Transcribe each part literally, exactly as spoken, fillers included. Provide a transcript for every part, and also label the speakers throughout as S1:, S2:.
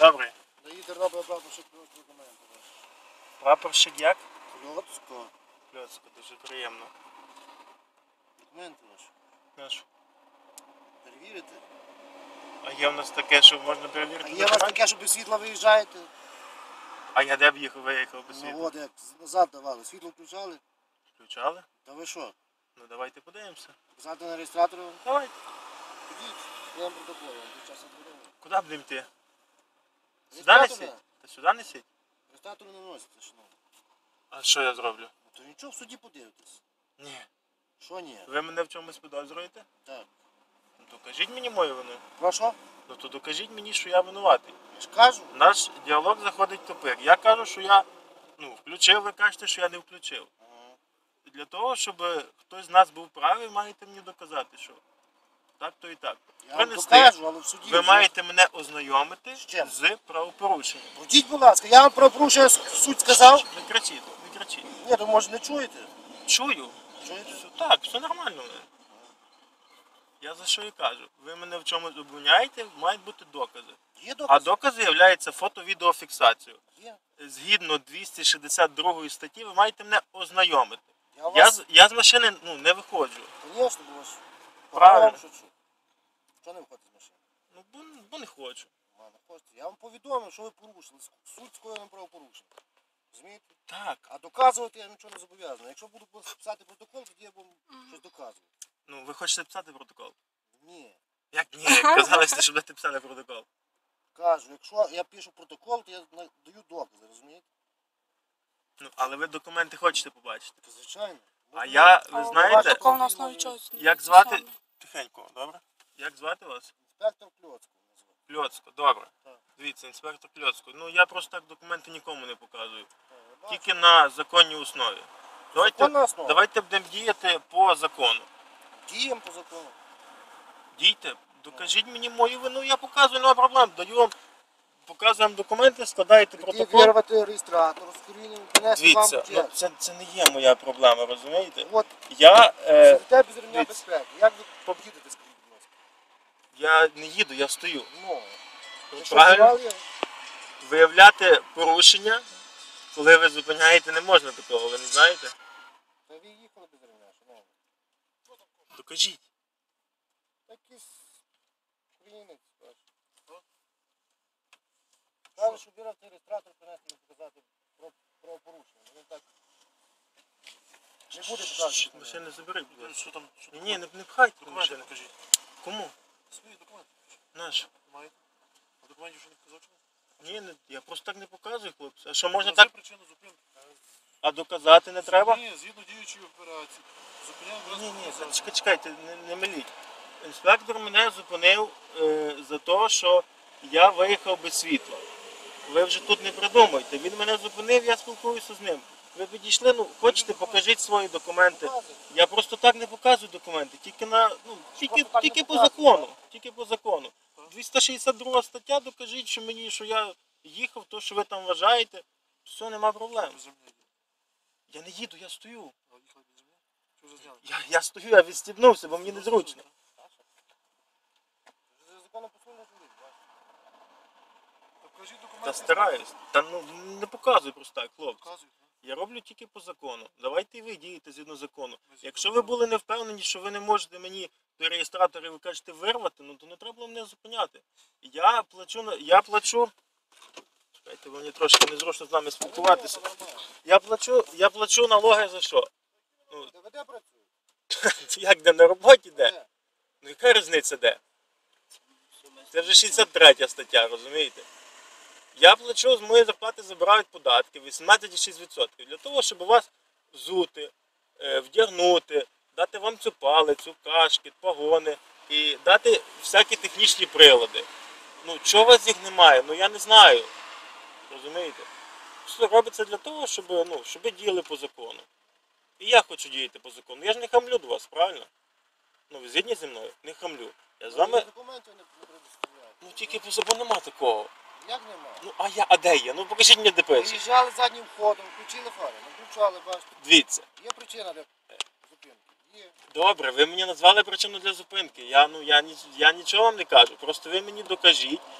S1: Добре.
S2: Доїде робить прапорщик Кльоцького документи.
S1: Прапорщик як?
S2: Кльоцького.
S1: Кльоцько, дуже приємно.
S2: Документи ваші.
S1: Наш.
S2: Перевірите.
S1: А є в нас таке, що можна перевірити?
S2: А є у вас
S1: документи?
S2: таке, що без світла виїжджаєте?
S1: А я де б їхав, виїхав без
S2: Ну
S1: світла?
S2: от як назад давали. Світло включали?
S1: Включали?
S2: Та ви що?
S1: Ну давайте подивимося.
S2: Показати на реєстратору?
S1: Давайте.
S2: Ідіть. Я вам протокол, вам під час відбудови.
S1: Куди будемо йти? Сюди не
S2: Реєстратор?
S1: сідь? Та сюди не сідь?
S2: Реєстратор не носите, шановні.
S1: А що я зроблю?
S2: Ну то нічого, в суді подивитесь.
S1: Ні.
S2: Що ні?
S1: Ви мене в чомусь підозрюєте?
S2: Так.
S1: Ну то кажіть мені мою вину.
S2: Прошу?
S1: Ну то докажіть мені, що я винуватий.
S2: Я ж кажу.
S1: Наш діалог заходить в тупик. Я кажу, що я ну, включив, ви кажете, що я не включив.
S2: Ага.
S1: І для того, щоб хтось з нас був правий, маєте мені доказати, що так, то і так.
S2: Я вам
S1: Принести,
S2: докажу, але в суді
S1: ви
S2: вже.
S1: маєте мене ознайомити
S2: З чим?
S1: з правопорушенням.
S2: Будіть, будь ласка, я вам про порушення суть сказав?
S1: Не кричіть, не кричіть.
S2: Ні, то може не чуєте?
S1: Чую.
S2: Чуєте?
S1: Все, так, все нормально. в мене. Я за що і кажу. Ви мене в чомусь обвиняєте, мають бути докази.
S2: Є
S1: А
S2: докази?
S1: докази являються фото-відеофіксацією.
S2: Є.
S1: Згідно двісті шістдесят другої статті, ви маєте мене ознайомити.
S2: Я
S1: Я,
S2: вас,
S1: з- я з машини ну, не виходжу.
S2: звісно, бо вас
S1: Правильно.
S2: що чу. Що не виходите з машини?
S1: Ну, бо, бо не хочу.
S2: А, не хочете. Я вам повідомив, що ви порушили. Суть скоєним правопорушення. Розумієте?
S1: Так.
S2: А доказувати я нічого не зобов'язаний. Якщо буду писати протокол, тоді я буду щось доказувати.
S1: Ну, ви хочете писати протокол?
S2: Ні.
S1: Як ні? Казали, що будете писати протокол.
S2: Кажу, якщо я пишу протокол, то я на- даю докази, розумієте?
S1: Ну, але ви документи хочете побачити.
S2: То звичайно.
S1: А я, ви
S3: А
S1: знаєте,
S3: протокол на основі чого?
S1: як звати... Тихенько, добре? Як звати вас?
S2: Інспектор Кльоцького називає.
S1: Кльоцко, добре.
S2: Так.
S1: Дивіться, інспектор Кльоцко. Ну, я просто так документи нікому не показую.
S2: Так, я бачу.
S1: Тільки на законній основі. Давайте,
S2: Законна основа.
S1: давайте будемо діяти по закону.
S2: Діємо по закону.
S1: Дійте, докажіть мені мою вину, я показую, нема проблем. Даю вам, показую вам документи, складаєте
S2: Тоді
S1: протокол.
S2: вирвати реєстратор, скоріння, принести вам
S1: Дивіться, ну,
S2: бюджет.
S1: це, це не є моя проблема, розумієте?
S2: От,
S1: Я, е,
S2: сидите без ремня
S1: дивіться.
S2: безпеки. Як ви поїдете, скажіть, будь ласка?
S1: я не їду, я стою.
S2: Ну, якщо
S1: Правильно?
S2: вживали,
S1: Виявляти порушення, коли ви зупиняєте, не можна такого, ви не знаєте?
S2: то ви їхали без ремня, шановні.
S1: Докажіть.
S2: Якийсь українець, бачиш. Каже, що вирвати реєстратор, принести і показати про, про порушення. Він так не буде показувати.
S1: Машини забери, будь ласка.
S4: Що там? Що
S1: Ні, ні, не, не пхайте
S4: Документи
S1: машини.
S4: покажіть.
S1: Кому?
S4: Свої документи.
S1: Наш.
S4: Маєте? А документів що не показав? чому?
S1: Ні, не, я просто так не показую, хлопці. А що можна
S4: Назві
S1: так?
S4: причину зупинки.
S1: А доказати не треба?
S4: Ні, згідно діючої операції. Зупиняємо
S1: Ні, ні,
S4: вразку
S1: це- чекайте, чекайте, не, не миліть. Інспектор мене зупинив е, за те, що я виїхав без світла. Ви вже тут не придумайте. Він мене зупинив, я спілкуюся з ним. Ви підійшли, ну хочете, покажіть свої документи. Я просто так не показую документи, тільки на ну тільки,
S2: так не
S1: тільки по
S2: показуєте,
S1: закону. Тільки по закону. двісті шістдесят друга стаття, докажіть, що мені, що я їхав, то що ви там вважаєте. Все, нема проблем.
S4: Без землі йде.
S1: Я не їду, я стою.
S4: А їхали без землі? Що вже зняли?
S1: Я, я стою, я відстібнувся, бо мені незручно.
S2: Законно послужний чоловік, бачиш.
S4: Так покажіть
S1: Та
S4: документи.
S1: стараюсь. Та ну не показуй просто так, хлопці.
S4: Показують.
S1: Я роблю тільки по закону. Давайте і ви дієте згідно закону. Якщо ви були не впевнені, що ви не можете мені до реєстратора, ви кажете, вирвати, ну то не треба було мене зупиняти. Я плачу на я плачу. Чекайте, бо мені трошки незручно з нами спілкуватися. Я плачу, я плачу налоги за що? Ну,
S2: ДВД працює?
S1: як де на роботі де?
S2: Де?
S1: Ну яка різниця де? Це вже шістдесят третя стаття, розумієте? Я плачу, з моєї зарплати забирають податки вісімнадцять цілих шість десятих відсотка. Для того, щоб вас взути, е, вдягнути, дати вам цю палицю, кашкет, погони і дати всякі технічні прилади. Ну, чого у вас їх немає? Ну я не знаю. Розумієте? Все робиться для того, щоб, ну, щоб ви діяли по закону. І я хочу діяти по закону. Я ж не хамлю до вас, правильно? Ну, ви згідні зі мною? Не хамлю. Я з вами,
S2: Документів не не предоставляють.
S1: ну тільки по закону нема такого.
S2: Як нема?
S1: Ну, а я, а де я? Ну покажіть мені де пише.
S2: Виїжджали заднім ходом, включили фари, не включали, бачите.
S1: Дивіться.
S2: Є причина для зупинки. Є.
S1: Добре, ви мені назвали причину для зупинки. Я, ну, я, ні- я нічого вам не кажу. Просто ви мені докажіть,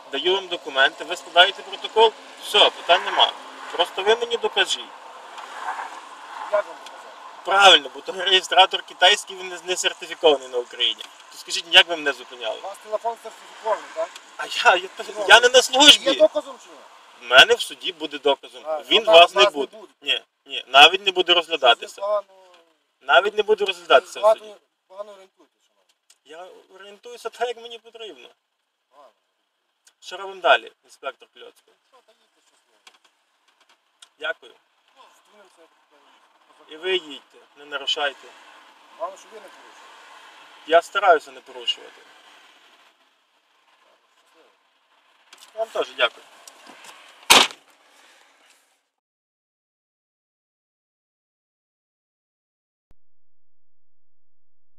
S1: даю вам документи, ви складаєте протокол, все, питань нема. Просто ви мені докажіть.
S2: Як вам показати?
S1: Правильно, бо той реєстратор китайський, він не- не сертифікований на Україні. То скажіть, як ви мене зупиняли?
S2: У вас телефон сертифікований, так?
S1: А я, я, я не на
S2: Є
S1: службі.
S2: доказом чи ні?
S1: В мене в суді буде доказом.
S2: А,
S1: Він
S2: а
S1: вас
S2: нас
S1: не
S2: не
S1: буде.
S2: буде.
S1: Ні, ні, навіть не буде
S2: Ви
S1: розглядатися.
S2: погано,
S1: Навіть не буде розглядатися в суді.
S2: погано, погано орієнтуєтесь, шановні.
S1: Я орієнтуюся так, як мені потрібно.
S2: Погано.
S1: Що робимо далі, інспектор Кльоцький?
S2: Що, та їдьте щасливо.
S1: Дякую.
S2: Зустрінемося, як то
S1: І ви їдьте, не нарушайте.
S2: Головне, щоб ви не порушили.
S1: Я стараюся не порушувати.
S2: Щасливо.
S1: Вам теж дякую.